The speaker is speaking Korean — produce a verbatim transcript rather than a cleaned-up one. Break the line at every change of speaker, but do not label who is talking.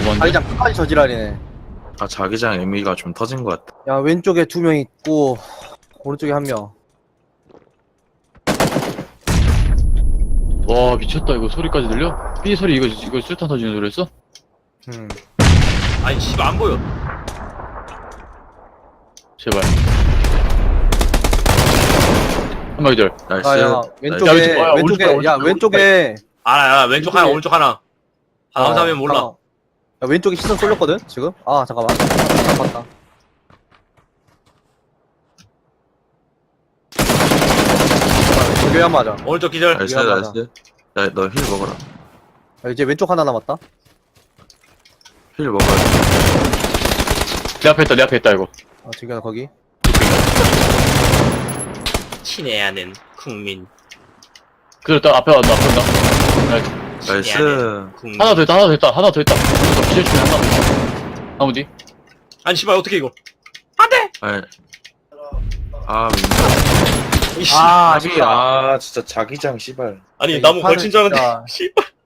뭔데?
자기장 끝까지 저지랄이네.
아 자기장 에미가 좀 터진 것 같다.
야, 왼쪽에 두 명 있고, 오른쪽에 한 명.
와 미쳤다 이거 소리까지 들려? 삐 소리 이거 이거 수류탄 터지는 소리였어?
음.
아니 씨발 안 보여.
제발 한 마리 들
나이스.
아, 야,
나이스.
왼쪽에,
야, 왼쪽, 아,
왼쪽에,
오른쪽,
야,
오른쪽,
왼쪽에.
알아 알아 왼쪽 하나 오른쪽 하나. 아
어,
감사하면 몰라.
잠깐만. 야, 왼쪽에 시선 쏠렸거든, 지금? 아, 잠깐만. 봤다, 봤다. 저기 한 맞아.
오른쪽 기절.
나이스
미안하다.
나이스. 야너 힐 먹어라.
야, 이제 왼쪽 하나 남았다.
힐 먹어라.
내 앞에 있다 내 앞에 있다 이거
아, 지금 거기.
친해야 하는 국민.
그래 딱 앞에 왔다 앞에 왔다
나이스.
친해야 하는 국민.
하나 더 있다 하나 더 있다 하나 더 있다 기절 중에 하나 더 있다 나무 뒤
아니 씨발 어떻게 이거? 안돼.
아이. 아 민다.
이씨.
아,
아비 아 진짜 자기장 씨발.
아니
이
나무
판은
걸친 줄 알았는데.
진짜-
씨발.